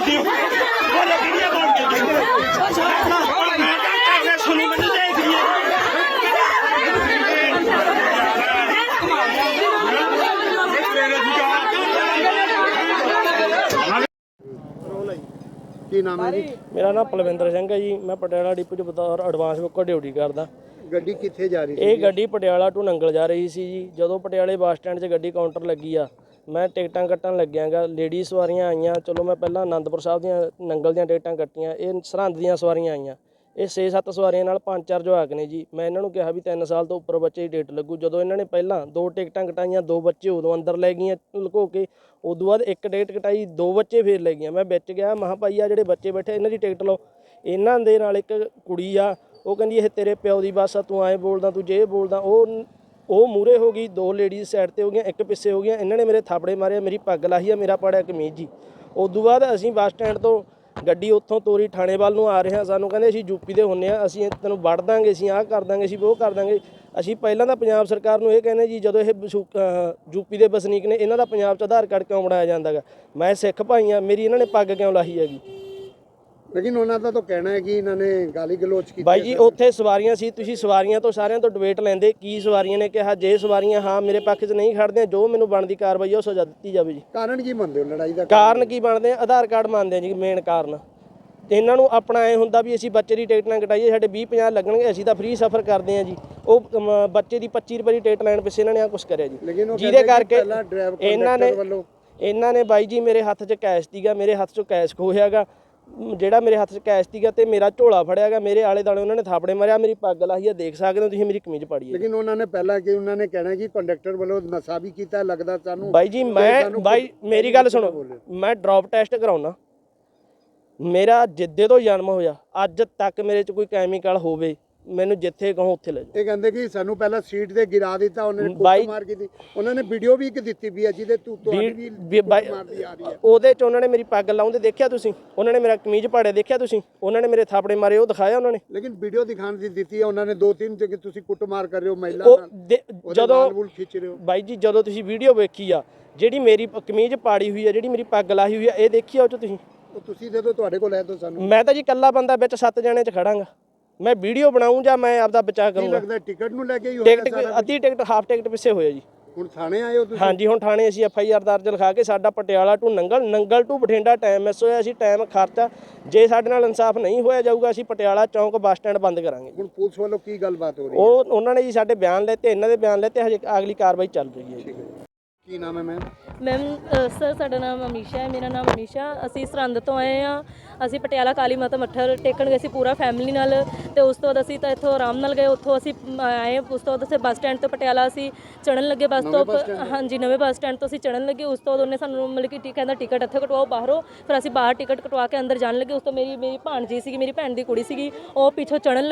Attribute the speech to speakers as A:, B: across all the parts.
A: ਕੀ ਨਾਮ ਹੈ ਜੀ?
B: ਮੇਰਾ ਨਾਮ ਪਲਵਿੰਦਰ ਸਿੰਘ ਹੈ ਜੀ। ਮੈਂ ਪਟਿਆਲਾ ਡਿਪੂ 'ਚ ਬਤੌਰ ਐਡਵਾਂਸ ਬੁੱਕਰ ਡਿਊਟੀ ਕਰਦਾ।
A: ਗੱਡੀ ਕਿੱਥੇ ਜਾ ਰਹੀ ਸੀ?
B: ਇਹ ਗੱਡੀ ਪਟਿਆਲਾ ਟੂ ਨੰਗਲ ਜਾ ਰਹੀ ਸੀ ਜੀ। ਜਦੋਂ ਪਟਿਆਲੇ ਬੱਸ ਸਟੈਂਡ 'ਚ ਗੱਡੀ ਕਾਊਂਟਰ ਲੱਗੀ ਆ, ਮੈਂ ਟਿਕਟਾਂ ਕੱਟਣ ਲੱਗਿਆਗਾ। ਲੇਡੀ ਸਵਾਰੀਆਂ ਆਈਆਂ, ਚਲੋ ਮੈਂ ਪਹਿਲਾਂ ਆਨੰਦਪੁਰ ਸਾਹਿਬ ਦੀਆਂ ਨੰਗਲ ਦੀਆਂ ਟਿਕਟਾਂ ਕੱਟੀਆਂ। ਇਹ ਸਰਹੰਦ ਦੀਆਂ ਸਵਾਰੀਆਂ ਆਈਆਂ। ਇਹ 6-7 ਸਵਾਰੀਆਂ ਨਾਲ 5-4 ਜਵਾਕ ਨੇ ਜੀ। ਮੈਂ ਇਹਨਾਂ ਨੂੰ ਕਿਹਾ ਵੀ 3 ਸਾਲ ਤੋਂ ਉੱਪਰ ਬੱਚੇ ਦੀ ਟਿਕਟ ਲੱਗੂ। ਜਦੋਂ ਇਹਨਾਂ ਨੇ ਪਹਿਲਾਂ 2 ਟਿਕਟਾਂ ਕਟਾਈਆਂ, 2 ਬੱਚੇ ਉਦੋਂ ਅੰਦਰ ਲੈ ਗਈਆਂ ਲੁਕੋ ਕੇ। ਉਦੋਂ ਬਾਅਦ 1 ਟਿਕਟ ਕਟਾਈ, 2 ਬੱਚੇ ਫੇਰ ਲੈ ਗਈਆਂ। ਮੈਂ ਵਿੱਚ ਗਿਆ, ਮਹਾਂ ਭਾਈ ਆ ਜਿਹੜੇ ਬੱਚੇ ਬੈਠੇ ਇਹਨਾਂ ਦੀ ਟਿਕਟ ਲਓ। ਇਹਨਾਂ ਦੇ ਨਾਲ ਇੱਕ ਕੁੜੀ ਆ, ਉਹ ਕਹਿੰਦੀ ਇਹ ਤੇਰੇ ਪਿਓ ਦੀ ਬੱਸ ਆ, ਤੂੰ ਐਂ ਬੋਲਦਾ, ਤੂੰ ਜੇ ਬੋਲਦਾ। ਉਹ ਮੂਹਰੇ ਹੋ ਗਈ, 2 ਲੇਡੀਜ਼ ਸਾਈਡ 'ਤੇ ਹੋ ਗਈਆਂ, 1 ਪਿੱਛੇ ਹੋ ਗਈਆਂ। ਇਹਨਾਂ ਨੇ ਮੇਰੇ ਥਾਪੜੇ ਮਾਰੇ, ਮੇਰੀ ਪੱਗ ਲਾਹੀ ਆ, ਮੇਰਾ ਪਾੜਿਆ ਕਮੀਜ਼ ਜੀ। ਉਦੋਂ ਬਾਅਦ ਅਸੀਂ ਬੱਸ ਸਟੈਂਡ ਤੋਂ ਗੱਡੀ ਉੱਥੋਂ ਤੋਰੀ ਥਾਣੇ ਵੱਲ ਨੂੰ ਆ ਰਹੇ ਹਾਂ। ਸਾਨੂੰ ਕਹਿੰਦੇ ਅਸੀਂ ਯੂਪੀ ਦੇ ਹੁੰਦੇ ਹਾਂ, ਅਸੀਂ ਤੈਨੂੰ ਵੜ ਦਾਂਗੇ, ਅਸੀਂ ਆਹ ਕਰ ਦਾਂਗੇ, ਅਸੀਂ ਉਹ ਕਰ ਦਾਂਗੇ। ਅਸੀਂ ਪਹਿਲਾਂ ਤਾਂ ਪੰਜਾਬ ਸਰਕਾਰ ਨੂੰ ਇਹ ਕਹਿੰਦੇ ਜੀ, ਜਦੋਂ ਇਹ ਯੂਪੀ ਦੇ ਵਸਨੀਕ ਨੇ, ਇਹਨਾਂ ਦਾ ਪੰਜਾਬ 'ਚ ਆਧਾਰ ਕਾਰਡ ਕਿਉਂ ਬਣਾਇਆ ਜਾਂਦਾ ਗਾ? ਮੈਂ ਸਿੱਖ ਭਾਈ ਹਾਂ, ਮੇਰੀ ਇਹਨਾਂ ਨੇ ਪੱਗ ਕਿਉਂ ਲਾਹੀ ਹੈਗੀ?
A: ਲੇਕਿਨ ਉਹਨਾਂ ਦਾ ਤਾਂ ਕਹਿਣਾ ਹੈ ਕਿ ਇਹਨਾਂ ਨੇ ਗਾਲੀ ਗਲੋਚ ਕੀਤੀ।
B: ਬਾਈ ਜੀ ਉੱਥੇ ਸਵਾਰੀਆਂ ਸੀ, ਤੁਸੀਂ ਸਵਾਰੀਆਂ ਤੋਂ ਸਾਰਿਆਂ ਤੋਂ ਡਿਬੇਟ ਲੈਂਦੇ। ਕੀ ਸਵਾਰੀਆਂ ਨੇ ਕਿਹਾ? ਜੇ ਸਵਾਰੀਆਂ ਹਾਂ ਮੇਰੇ ਪੱਖ 'ਚ ਨਹੀਂ ਖੜਦੇ, ਜੋ ਮੈਨੂੰ ਬਣਦੀ ਕਾਰਵਾਈ ਉਹ ਸਜ਼ਾ ਦਿੱਤੀ ਜਾਵੇ ਜੀ।
A: ਕਾਰਨ ਕੀ ਮੰਨਦੇ ਹੋ ਲੜਾਈ ਦਾ?
B: ਕਾਰਨ ਕੀ ਬਣਦੇ ਆ? ਆਧਾਰ ਕਾਰਡ ਮੰਨਦੇ ਆ ਜੀ ਮੇਨ ਕਾਰਨ। ਤੇ ਇਹਨਾਂ ਨੂੰ ਆਪਣਾ ਐ ਹੁੰਦਾ ਵੀ ਅਸੀਂ ਬੱਚੇ ਦੀ ਟਿਕਟ ਨਾ ਕਟਾਈਏ, ਸਾਡੇ 20-50 ਲੱਗਣਗੇ, ਅਸੀਂ ਤਾਂ ਫ੍ਰੀ ਸਫ਼ਰ ਕਰਦੇ ਹਾਂ ਜੀ। ਉਹ ਬੱਚੇ ਦੀ 25 ਰੁਪਏ ਦੀ ਟਿਕਟ ਲੈਣ ਪਿੱਛੇ ਇਹਨਾਂ ਨੇ ਆ ਕੁਛ ਕਰਿਆ ਜੀ, ਜਿਹਦੇ ਕਰਕੇ ਇਹਨਾਂ ਨੇ ਬਾਈ ਜੀ ਮੇਰੇ ਹੱਥ 'ਚ ਕੈਸ਼ ਸੀਗਾ, ਮੇਰੇ ਹੱਥ 'ਚੋਂ ਕੈਸ਼ ਖੋਹਿਆਗਾ। ਜਿਹੜਾ ਮੇਰੇ ਹੱਥ 'ਚ ਕੈਸ਼ ਸੀਗਾ ਤੇ ਮੇਰਾ ਝੋਲਾ ਫੜਿਆਗਾ, ਮੇਰੇ ਆਲੇ ਦੁਆਲੇ ਉਹਨਾਂ ਨੇ ਥਾਪੜੇ ਮਾਰਿਆ, ਮੇਰੀ ਪੱਗ ਲਾਹੀ ਆ, ਦੇਖ ਸਕਦੇ ਹੋ ਤੁਸੀਂ, ਮੇਰੀ ਕਮੀਜ਼ ਪਾੜੀ ਹੈ।
A: ਲੇਕਿਨ ਉਹਨਾਂ ਨੇ ਪਹਿਲਾਂ ਕਿ ਉਹਨਾਂ ਨੇ ਕਹਿਣਾ ਕਿ ਕੰਡਕਟਰ ਵੱਲੋਂ ਨਸ਼ਾ ਵੀ ਕੀਤਾ ਲੱਗਦਾ ਸਾਨੂੰ।
B: ਬਾਈ ਜੀ ਬਾਈ ਮੇਰੀ ਗੱਲ ਸੁਣੋ, ਮੈਂ ਡ੍ਰੌਪ ਟੈਸਟ ਕਰਾਉਣਾ। ਮੇਰਾ ਜਿੱਦੇ ਤੋਂ ਜਨਮ ਹੋਇਆ ਅੱਜ ਤੱਕ ਮੇਰੇ 'ਚ ਕੋਈ ਕੈਮੀਕਲ ਹੋਵੇ, ਮੈਨੂੰ ਜਿੱਥੇ ਕਹੋ ਉੱਥੇ ਲੈ ਜਾਓ।
A: ਇਹ ਕਹਿੰਦੇ ਕਿ ਸਾਨੂੰ ਪਹਿਲਾਂ ਸੀਟ ਤੇ ਗਿਰਾ ਦਿੱਤਾ, ਉਹਨਾਂ ਨੇ ਕੁੱਟ ਮਾਰ ਕੀਤੀ। ਉਹਨਾਂ ਨੇ ਵੀਡੀਓ ਵੀ ਇੱਕ ਦਿੱਤੀ ਵੀ ਹੈ ਜਿਹਦੇ ਤੁਹਾਡੀ ਵੀ ਮਾਰਦੀ ਆ ਰਹੀ ਹੈ। ਉਹਦੇ
B: 'ਚ ਉਹਨਾਂ ਨੇ ਮੇਰੀ ਪੱਗ ਲਾਉਂਦੇ ਦੇਖਿਆ ਤੁਸੀਂ, ਉਹਨਾਂ ਨੇ ਮੇਰਾ ਕਮੀਜ਼ ਪਾੜਿਆ ਦੇਖਿਆ ਤੁਸੀਂ, ਉਹਨਾਂ ਨੇ ਮੇਰੇ ਥਾਪੜੇ ਮਾਰੇ ਉਹ ਦਿਖਾਇਆ ਉਹਨਾਂ ਨੇ।
A: ਲੇਕਿਨ ਵੀਡੀਓ ਦਿਖਾਉਣ ਦੀ ਦਿੱਤੀ ਹੈ ਉਹਨਾਂ ਨੇ 2-3 ਕਿ ਤੁਸੀਂ ਕੁੱਟ ਮਾਰ ਕਰ ਰਹੇ ਹੋ ਮਹਿਲਾ ਨਾਲ, ਜਦੋਂ ਖਿੱਚ ਰਹੇ ਹੋ।
B: ਬਾਈ ਜੀ ਜਦੋਂ ਤੁਸੀਂ ਵੀਡੀਓ ਵੇਖੀ ਆ, ਜਿਹੜੀ ਮੇਰੀ ਕਮੀਜ਼ ਪਾੜੀ ਹੋਈ ਆ, ਜਿਹੜੀ ਮੇਰੀ ਪੱਗ ਲਾਹੀ ਹੋਈ ਆ, ਇਹ ਦੇਖੀ ਆ ਉਹ 'ਚ
A: ਤੁਸੀਂ ਦੇ ਦਿਓ, ਤੁਹਾਡੇ ਕੋਲ ਹੈ ਤਾਂ ਸਾਨੂੰ।
B: ਮੈਂ ਤਾਂ ਜੀ ਇਕੱਲਾ ਬੰਦਾ ਵਿੱਚ 7 ਜਣੇ 'ਚ ਖੜਾਂਗਾ। ਮੈਂ ਵੀਡੀਓ ਬਣਾऊं ਜਾਂ ਮੈਂ ਆਪਦਾ ਬਚਾਅ ਕਰੂੰਗਾ?
A: ਲੱਗਦਾ ਟਿਕਟ ਨੂੰ ਲੈ ਕੇ ਹੀ ਹੋਇਆ?
B: ਟਿਕਟ ਅੱਧੀ ਟਿਕਟ ਹਾਫ ਟਿਕਟ ਪਿੱਛੇ ਹੋਇਆ ਜੀ।
A: ਹੁਣ ਥਾਣੇ ਆਏ ਹੋ ਤੁਸੀਂ?
B: ਹਾਂਜੀ ਹੁਣ ਥਾਣੇ ਅਸੀਂ FIR ਦਰਜ ਲਿਖਾ ਕੇ, ਸਾਡਾ Patiala to Nangal to Bathinda time miss ਹੋਇਆ। ਅਸੀਂ ਟਾਈਮ ਖਰਚਾ, ਜੇ ਸਾਡੇ ਨਾਲ ਇਨਸਾਫ ਨਹੀਂ ਹੋਇਆ ਜਾਊਗਾ ਅਸੀਂ ਪਟਿਆਲਾ ਚੌਂਕ ਬੱਸ ਸਟੈਂਡ ਬੰਦ ਕਰਾਂਗੇ।
A: ਹੁਣ ਪੁਲਿਸ ਵੱਲੋਂ ਕੀ ਗੱਲਬਾਤ ਹੋ ਰਹੀ ਹੈ?
B: ਉਹਨਾਂ ਨੇ ਜੀ ਸਾਡੇ ਬਿਆਨ ਲੈਤੇ, ਇਹਨਾਂ ਦੇ ਬਿਆਨ ਲੈਤੇ, ਹਜੇ ਅਗਲੀ ਕਾਰਵਾਈ ਚੱਲ ਰਹੀ ਹੈ।
A: ਕੀ ਨਾਮ ਹੈ ਮੈਮ?
C: ਸਰ ਸਾਡਾ ਨਾਮ ਅਮੀਸ਼ਾ ਹੈ। ਮੇਰਾ ਨਾਮ ਅਮੀਸ਼ਾ। ਅਸੀਂ ਸਰਹੰਦ ਤੋਂ ਆਏ ਹਾਂ। ਅਸੀਂ ਪਟਿਆਲਾ ਕਾਲੀ ਮਾਤਾ ਮੱਥਾ ਟੇਕਣ ਗਏ ਸੀ ਪੂਰਾ ਫੈਮਿਲੀ ਨਾਲ, ਤੇ ਉਸ ਤੋਂ ਬਾਅਦ ਅਸੀਂ ਤਾਂ ਇੱਥੋਂ ਆਰਾਮ ਨਾਲ ਗਏ, ਉੱਥੋਂ ਅਸੀਂ ਆਏ। ਉਸ ਤੋਂ ਬਾਅਦ ਅਸੀਂ ਬੱਸ ਸਟੈਂਡ ਤੋਂ ਪਟਿਆਲਾ ਅਸੀਂ ਚੜ੍ਹਨ ਲੱਗੇ ਬੱਸ ਤੋਂ। ਹਾਂਜੀ ਨਵੇਂ ਬੱਸ ਸਟੈਂਡ ਤੋਂ ਅਸੀਂ ਚੜ੍ਹਨ ਲੱਗੇ। ਉਸ ਤੋਂ ਬਾਅਦ ਉਹਨੇ ਸਾਨੂੰ ਮਤਲਬ ਕਿ ਕਹਿੰਦਾ ਟਿਕਟ ਇੱਥੇ ਕਟਵਾਓ ਬਾਹਰੋਂ। ਫਿਰ ਅਸੀਂ ਬਾਹਰ ਟਿਕਟ ਕਟਵਾ ਕੇ ਅੰਦਰ ਜਾਣ ਲੱਗੇ। ਉਸ ਤੋਂ ਮੇਰੀ ਭਾਣਜੀ ਸੀਗੀ, ਮੇਰੀ ਭੈਣ ਦੀ ਕੁੜੀ ਸੀਗੀ, ਉਹ ਪਿੱਛੋਂ ਚੜ੍ਹਨ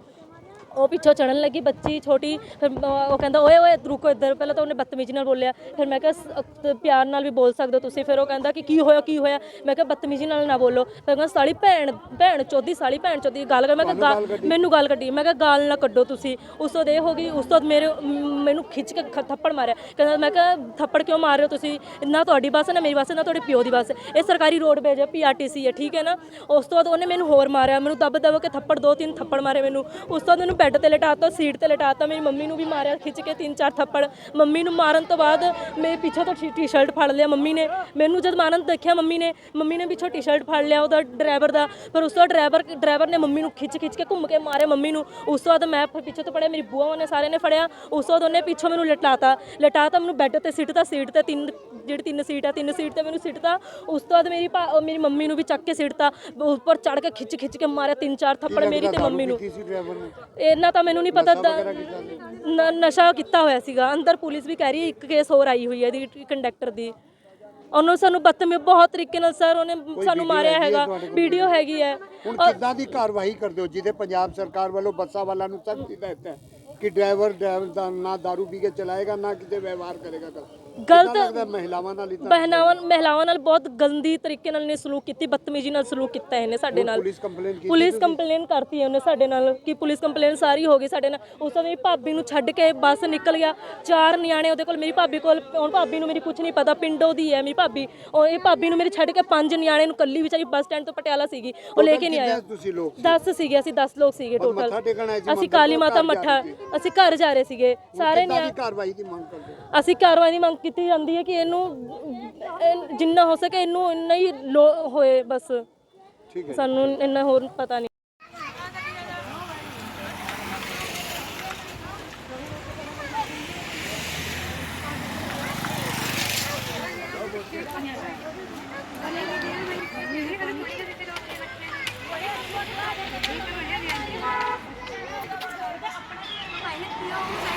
C: ਲੱਗੀ ਬੱਚੀ ਛੋਟੀ। ਫਿਰ ਉਹ ਕਹਿੰਦਾ ਓਏ ਰੁਕੋ ਇੱਧਰ। ਪਹਿਲਾਂ ਤਾਂ ਉਹਨੇ ਬਦਤਮੀਜ਼ੀ ਨਾਲ ਬੋਲਿਆ, ਫਿਰ ਮੈਂ ਕਿਹਾ ਪਿਆਰ ਨਾਲ ਵੀ ਬੋਲ ਸਕਦੇ ਹੋ ਤੁਸੀਂ। ਫਿਰ ਉਹ ਕਹਿੰਦਾ ਕਿ ਕੀ ਹੋਇਆ? ਮੈਂ ਕਿਹਾ ਬਦਤਮੀਜ਼ੀ ਨਾਲ ਨਾ ਬੋਲੋ। ਫਿਰ ਕਹਿੰਦਾ ਸਾਲੀ ਭੈਣ ਚੋਦੀ ਗਾਲ ਕਰ। ਮੈਂ ਕਿਹਾ ਮੈਨੂੰ ਗਾਲ ਕੱਢੀ, ਮੈਂ ਕਿਹਾ ਗਾਲ ਨਾ ਕੱਢੋ ਤੁਸੀਂ। ਉਸ ਤੋਂ ਇਹ ਹੋ ਗਈ। ਉਸ ਤੋਂ ਮੈਨੂੰ ਖਿੱਚ ਕੇ ਥੱਪੜ ਮਾਰਿਆ। ਕਹਿੰਦਾ, ਮੈਂ ਕਿਹਾ ਥੱਪੜ ਕਿਉਂ ਮਾਰ ਰਹੇ ਹੋ ਤੁਸੀਂ? ਨਾ ਤੁਹਾਡੀ ਬੱਸ ਨਾ ਮੇਰੀ ਬੱਸ ਨਾ ਤੁਹਾਡੇ ਪਿਓ ਦੀ ਬੱਸ, ਇਹ ਸਰਕਾਰੀ ਰੋਡਵੇਜ ਹੈ, PRTC ਹੈ, ਠੀਕ ਹੈ ਨਾ। ਉਸ ਤੋਂ ਬਾਅਦ ਉਹਨੇ ਮੈਨੂੰ ਹੋਰ ਮਾਰਿਆ, ਮੈਨੂੰ ਦਬ ਕੇ ਥੱਪੜ 2-3 ਥੱਪੜ ਮਾਰੇ ਮੈਨੂੰ। ਉਸ ਤੋਂ ਬਾਅਦ ਮੈਨੂੰ ਬੈੱਡ ਤੇ ਲਿਟਾਤਾ, ਸੀਟ ਤੇ ਲਿਟਾਤਾ। ਮੇਰੀ ਮੰਮੀ ਨੂੰ ਵੀ ਮਾਰਿਆ ਖਿੱਚ ਕੇ 3-4 ਥੱਪੜ। ਮੰਮੀ ਨੂੰ ਮਾਰਨ ਤੋਂ ਬਾਅਦ ਮੇਰੇ ਪਿੱਛੋਂ ਤੋਂ ਟੀ-ਸ਼ਰਟ ਫੜ ਲਿਆ ਮੰਮੀ ਨੇ। ਮੈਨੂੰ ਜਦ ਮਾਰਨ ਦੇਖਿਆ ਮੰਮੀ ਨੇ ਪਿੱਛੋਂ ਟੀ-ਸ਼ਰਟ ਫੜ ਲਿਆ ਉਹਦਾ ਡਰਾਈਵਰ ਦਾ। ਫਿਰ ਉਸ ਤੋਂ ਡਰਾਈਵਰ ਨੇ ਮੰਮੀ ਨੂੰ ਖਿੱਚ ਕੇ ਘੁੰਮ ਕੇ ਮਾਰਿਆ ਮੰਮੀ ਨੂੰ। ਉਸ ਤੋਂ ਬਾਅਦ ਮੈਂ ਪਿੱਛੇ ਤੋਂ ਫੜਿਆ, ਮੇਰੀ ਬੂਆ ਨੇ ਸਾਰਿਆਂ ਨੇ ਫੜਿਆ। ਉਸ ਤੋਂ ਬਾਅਦ ਉਹਨੇ ਪਿੱਛੋਂ ਮੈਨੂੰ ਲਿਟਾਤਾ ਮੈਨੂੰ ਬੈੱਡ ਤੇ ਸਿੱਟਤਾ, ਸੀਟ ਤੇ ਜਿਹੜੀ 3 ਸੀਟ ਤੇ ਮੈਨੂੰ ਸਿੱਟਤਾ। ਉਸ ਤੋਂ ਬਾਅਦ ਮੇਰੀ ਮੰਮੀ ਨੂੰ ਵੀ ਚੱਕ ਕੇ ਸਿੱਟਤਾ, ਉੱਪਰ ਚੜ੍ਹ ਕੇ ਖਿੱਚ ਕੇ ਮਾਰਿਆ 3-4 ਥੱਪੜ ਮੇਰੀ ਤੇ ਮੰਮੀ ਨੂੰ। ਇਹਨਾਂ ਤਾਂ ਮੈਨੂੰ ਨਹੀਂ ਪਤਾ, ਨਸ਼ਾ ਕੀਤਾ ਹੋਇਆ ਸੀਗਾ ਅੰਦਰ। ਪੁਲਿਸ ਵੀ ਕਹਿ ਰਹੀ ਹੈ 1 ਕੇਸ ਹੋਰ ਆਈ ਹੋਈ ਹੈ ਇਹਦੀ ਕੰਡਕਟਰ ਦੀ। ਉਹਨੂੰ ਸਾਨੂੰ ਬਦਤਮੀਜ਼ ਬਹੁਤ ਤਰੀਕੇ ਨਾਲ ਸਰ ਉਹਨੇ ਸਾਨੂੰ ਮਾਰਿਆ ਹੈਗਾ, ਵੀਡੀਓ ਹੈਗੀ ਹੈ।
A: ਹੁਣ ਕਿੱਦਾਂ ਦੀ ਕਾਰਵਾਈ ਕਰਦੇ ਹੋ ਜਿਹਦੇ ਪੰਜਾਬ ਸਰਕਾਰ ਵੱਲੋਂ ਬੱਸਾਂ ਵਾਲਿਆਂ ਨੂੰ ਸਖਤ ਹਦਾਇਤ ਹੈ ਕਿ ਡਰਾਈਵਰ ਦਾ ਨਾ ਦਾਰੂ ਪੀ ਕੇ ਚਲਾਏਗਾ, ਨਾ ਕਿਤੇ ਵਿਵਹਾਰ ਕਰੇਗਾ?
C: ਗਲਤ
A: ਲੱਗਦਾ ਮਹਿਲਾਵਾਂ ਨਾਲ ਹੀ ਤਾਂ
C: ਮਹਿਲਾਵਾਂ ਨਾਲ ਬਹੁਤ ਗੰਦੀ ਤਰੀਕੇ ਨਾਲ ਨੇ ਸਲੂਕ ਕੀਤੀ, ਬਦਤਮੀਜ਼ੀ ਨਾਲ ਸਲੂਕ ਕੀਤਾ ਇਹਨੇ ਸਾਡੇ ਨਾਲ। ਪੁਲਿਸ ਕੰਪਲੇਨ ਕਰਤੀ ਹੈ ਉਹਨੇ ਸਾਡੇ ਨਾਲ ਕਿ ਪੁਲਿਸ ਕੰਪਲੇਨ ਸਾਰੀ ਹੋ ਗਈ ਸਾਡੇ ਨਾਲ। ਉਸ ਤੋਂ ਮੇਰੀ ਭਾਬੀ ਨੂੰ ਛੱਡ ਕੇ ਬੱਸ ਨਿਕਲ ਗਿਆ, 4 ਨਿਆਣੇ ਉਹਦੇ ਕੋਲ, ਮੇਰੀ ਭਾਬੀ ਕੋਲ। ਹੁਣ ਭਾਬੀ ਨੂੰ ਮੇਰੀ ਕੁਝ ਨਹੀਂ ਪਤਾ, ਪਿੰਡੋਂ ਦੀ ਹੈ ਮੇਰੀ ਭਾਬੀ। ਉਹ ਇਹ ਭਾਬੀ ਨੂੰ ਮੇਰੀ ਛੱਡ ਕੇ 5 ਨਿਆਣੇ ਨੂੰ ਕੱਲੀ ਵਿਚਾਰੀ ਬੱਸ ਸਟੈਂਡ ਤੋਂ ਪਟਿਆਲਾ ਸੀਗੀ, ਉਹ ਲੈ ਕੇ ਨਹੀਂ ਆਇਆ। 10 ਸੀਗੇ ਅਸੀਂ, 10 ਲੋਕ ਸੀਗੇ ਟੋਟਲ। ਅਸੀਂ ਕਾਲੀ ਮਾਤਾ ਮੱਠਾ, ਅਸੀਂ ਘਰ ਜਾ ਰਹੇ ਸੀਗੇ ਸਾਰੇ ਨਿਆਣੇ।
A: ਕਾਰਵਾਈ ਦੀ ਮੰਗ ਕਰਦੇ
C: ਅਸੀਂ ਕਾਰਵਾਈ ਦੀ ਮੰਗ ਕੀਤੀ ਜਾਂਦੀ ਹੈ ਕਿ ਇਹਨੂੰ ਜਿੰਨਾ ਹੋ ਸਕੇ ਇਹਨੂੰ ਇੰਨਾ ਹੀ ਹੋਏ ਬਸ, ਸਾਨੂੰ ਇੰਨਾ ਹੋਰ ਪਤਾ ਨਹੀਂ।
D: Hãy subscribe cho kênh Ghiền Mì Gõ để không bỏ lỡ